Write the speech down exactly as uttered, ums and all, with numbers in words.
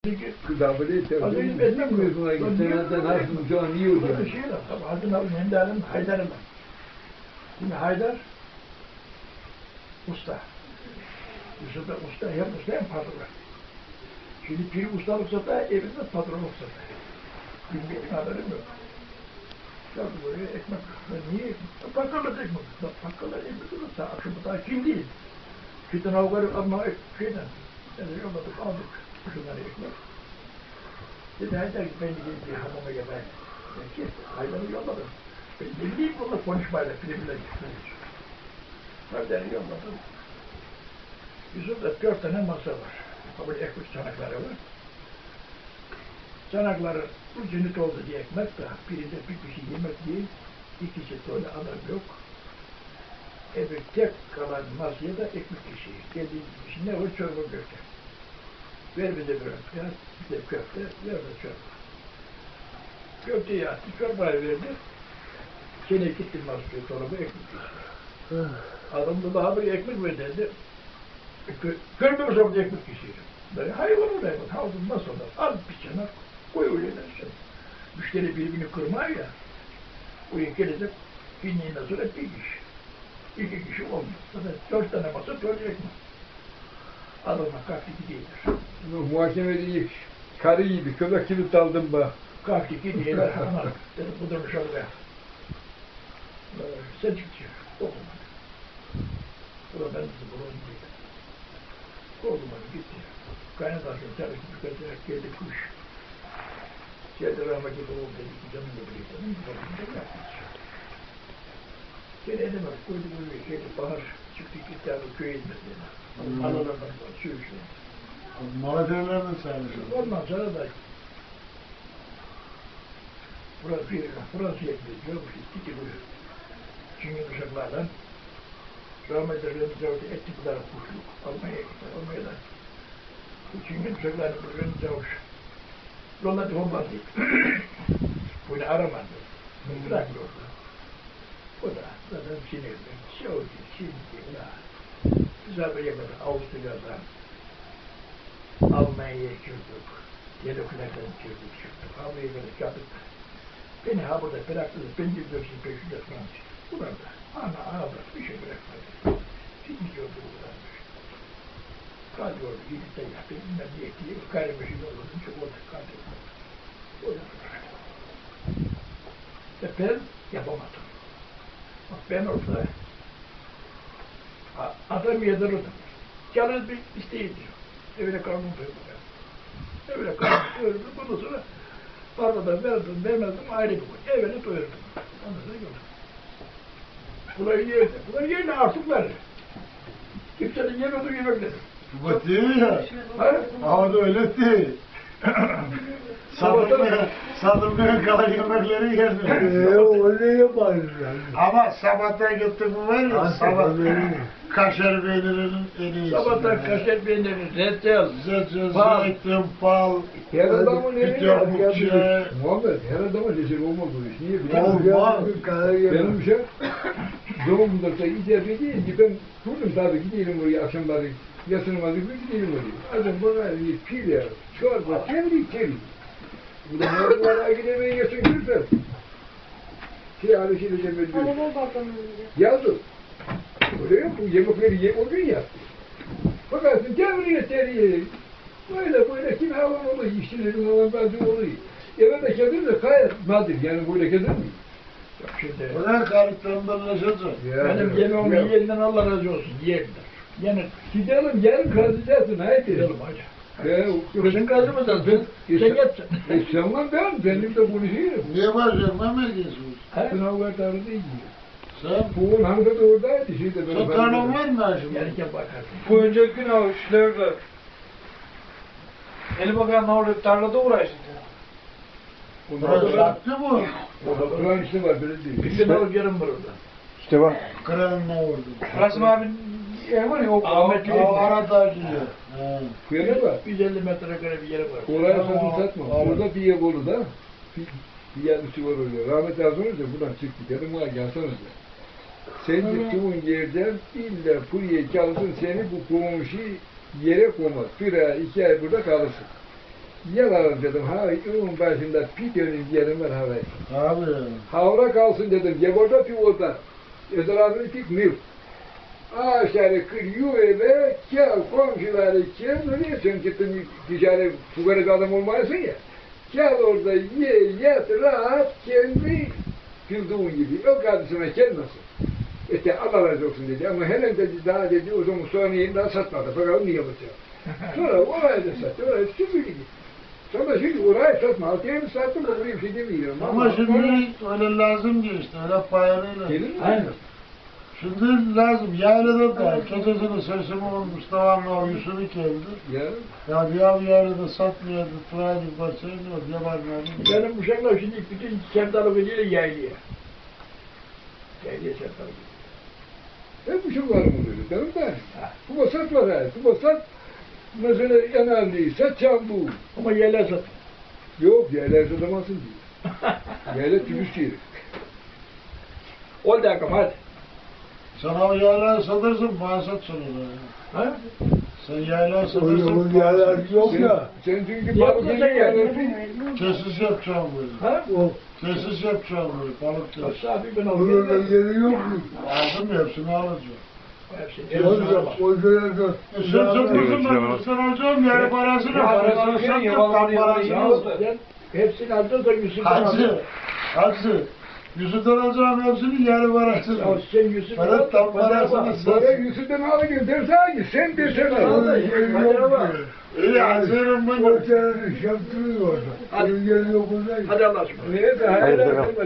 Kıdabılı Azıcık etmem mi? Seneden nasıl can yiyor Böyle yani. şey var. Tabii Hazım abi Menderes'in Haydar'ım. Şimdi Haydar usta. Yusuf da usta, hem usta hem patron. Şimdi biri ustalık sata, evinde patronluk sata. Bilmeyelim haberim yok. Geldi buraya ekmek. Ben niye ekmek? Bakkalda ekmek. Bakkalda ekmek olur. Daha akşamı daha kim değil. Şuradan avgarı alma şeyden. Yani yolladık, aldık. Şunları ekmek. Dedi Haydar ki ben gideyim bir hamama yemeğe. Peki, Haydar'ı yolladım. Ben ne bileyim bununla konuşmayla, filmle gitmeyiz. Haydar'ı yolladım. Yusuf'ta dört tane masa var. Böyle ekmek çanakları var. Çanakları ucunu doldu diye ekmek de, birinde bir kişi yemek değil, ikisi böyle adam yok. Evet, tek kalan masaya da ekmek kişi. Dediğim gibi ne var? Çorba köfte. Ver bize bir ekmek, bize köfte, ver de çorba. Köfteyi attı, çorbayı verdi. Gene gitti masaya çorba ekmek kişi. Adam da daha bir ekmek ver dedi. Görmüyor musun ekmek kişiyi? Ben hayvan olayım, havuzun nasıl olur? Al bir çanak, koy öyle dersin. Müşteri birbirini kırmıyor ya. Buraya gelecek, binliğinden sonra bir kişi. İki kişi olmuyor. Zaten dört tane masa, dört ekmek. Adamla kalktı gidiyorlar. Muhakemede karı gibi, köpek gibi daldım bak. Kalktı gidiyorlar, ama dedim bu durmuş orada. Sen çıkıyor, okumadı. Bu da ben dedim, bunu değil. Okumadı, gitti. Kaynatarsın tabii ki tüketilerek geldi kuş. Geldi rahmetli oğul dedi ki canım götürüyor dedim. Bakınca yapmış. Gene edemez, koydu buraya, geldi bahar çıktı gitti abi köye inmedi dedi. Hmm. Analardan var, su işte. Malatya'lardan saymışım. Ondan sonra da burası bir, Fransa'ya gidiyormuş, gitti buraya. Çünkü uşaklardan rahmetli Remzi Avcı ettikleri kuşluk Almanya'ya gitti, Almanya'dan. Çünkü uşaklardan bu Remzi Avcı yolladı olmadı. Bunu aramadı. Bırakıyordu. O da zaten sinirli. Şöyle, şimdi ya. Biz haberi kadar Avusturya'dan Almanya'ya girdik. Yediklerden girdik çıktık. Amerika'da geldik. Beni ha burada bıraktınız. Ben gidiyorsun peşinde Fransız. Burada. Ana ağabey bir şey bırakmadı. Şimdi gidiyordu buradan. Kalıyordu. Gidip de yaptı. Bilmem niye diye. Gayrimeşin olurdum. Çok orada kalıyordu. Orada bıraktım. Ve ben yapamadım. Bak ben orada adam yediririm. Yalnız bir isteğim diyor. Evine karnım doyurdu. Evine karnım doyurdu. Bundan sonra parmadan verdim, vermezdim ayrı bir koy. Evine doyurdum. Ondan sonra gördüm. Bunlar yerine. Bunlar yerine artık verir. Kimsenin yemediği yemekleri. Bu değil ya. Ha? Ama da öyle değil. Sadılmaya, sadılmaya kalan yemekleri yerler. Eee o ne yaparız yani? Ama sabahtan gittik mi var ya, sabah kaşar peynirinin en iyisi. Sabahtan kaşar peyniri, reçel, Zeytin, bal. zeytin, bal, Her adamın bir evine dörtlük çay. Muhammed, her adamın leşeri olmaz bu iş. Niye biliyor musun? Olmaz. Benim şey, doğumda da icap edeyim ki ben kurdum tabii gidelim oraya akşamları yatırmadık bir gidelim oraya. Adam bana bir pil çorba, çeviri çeviri. Bu da mağazalara gidemeyi yaşın görsen. Şey abi şey diyeceğim ben diyorum. Araba bakalım. Yazdım. Öyle yok bu yemekleri ye, o gün yap. Bakarsın çeviriye çeviriye. Böyle böyle kim havan oluyor, işçilerin havan bazı oluyor. Eve de kedir de gayet nadir yani böyle kedir mi? Yok şimdi. O da karıklarındanlaşacak. Benim yemeğimi yiyenden Allah razı olsun, yerler. Yani Gidelim yarın kazıyacaksın haydi. gidelim hacı. He, Kızın kazı mı sen? Sen sen yetsin. E sen var ben, benim de konuşuyorum. Niye var canım, ne geziyorsun? Sınavlar tarihinde iyi. Sen, Buğun hangi de oradaydı şeyde. sen tarlan var mı şimdi? Yerken bakarsın. Bu önceki gün avuçlarda eli bakan orada tarlada uğraştı. Burası sattı bu. Kur'an işte var böyle değil. Bir gün alıp yarım var orada. İşte bak. Kıranına vurdu. Rasim abinin ev var ya o Ahmet O arada gidiyor. He. Kuyana bak. yüz elli metrekare bir yeri var. Oraya satın satma. Aa, Orada bir yer olur da. Bir, bir yer üstü var orada. Rahmet lazım olunca buradan çıktık. Dedim bana gelsene de. Sen gittiğin yerden illa buraya çalışsın seni bu komşu yere koymaz. Bir ay, iki ay burada kalırsın. Yalan dedim. Ha, onun başında pidenin yerim var havayı. Abi. Havra kalsın dedim. Geborda pivoda. Etrafını pik mil. Ağaçları kırıyor ve kâv komşuları kâv nereye sen gittin ticari fugarı adam olmayasın ya. Kâv orada ye yat rahat kendi bildiğin gibi. O kardeşime kendisi. İşte Allah razı olsun dedi ama hemen dedi daha dedi o zaman sonra yeni daha satmadı. Bakalım niye yapacak. Sonra orayı da sattı. Orayı süpürdü. Sonra şimdi orayı satma. Altıya mı sattım o buraya bir şey demiyorum. Ama şimdi öyle lazım ki işte öyle payarıyla. Gelir mi? Aynen. Şimdi lazım. Yaylada da gecesini sesimi olmuş devamlı o Yusuf'u geldi. Ya. Ya bir av yaylada satmıyordu. Turaydı parçayı yok. Yabanlarını. Benim uşaklar şimdi bütün sevdalı veriyle yaylıya. Yaylıya sevdalı veriyor. Hep bu şey var mı böyle? Benim de. Bu basat var ha. Bu basat mesela yanarlı. Satacağım bu. Ama yayla sat. Yok yerler satamazsın diyor. Yerler tübüs yeri. Ol da yakam hadi. Sen o yaylayı satırsın, bana sat sonra. Ha? Sen yaylayı Öyle satırsın, o yerler yok ya. Sen, sen çünkü Yapma balık sen yerlersin. kesis yapacağım böyle. Ha? O Kesis yapacağım böyle, balık kesis. Safi ben bunun da alıyorum. yeri yok mu? Aldım hepsini alacağım. Hepsini. O Hepsini da alacağım. o dönemde. E sen satmışsın ben, sen alacağım yani parasını, parasını sat yap, tam parasını Ya al. sen hepsini aldın da Yusuf'tan Hacı, aldın. hacı. Yusuf'tan alacağım hepsini, yarı parasını. Ya sen Yusuf'tan Bana tam parasını Böyle sat. Yusuf'tan alıyor dersen ki sen desene. O da yeri yok mu? İyi hazırım ben. O senin şaptırıyor orada. Hadi. Onun yeri yok orada. Hadi Allah'a ısmarladık. Neyse hayırlı akşamlar.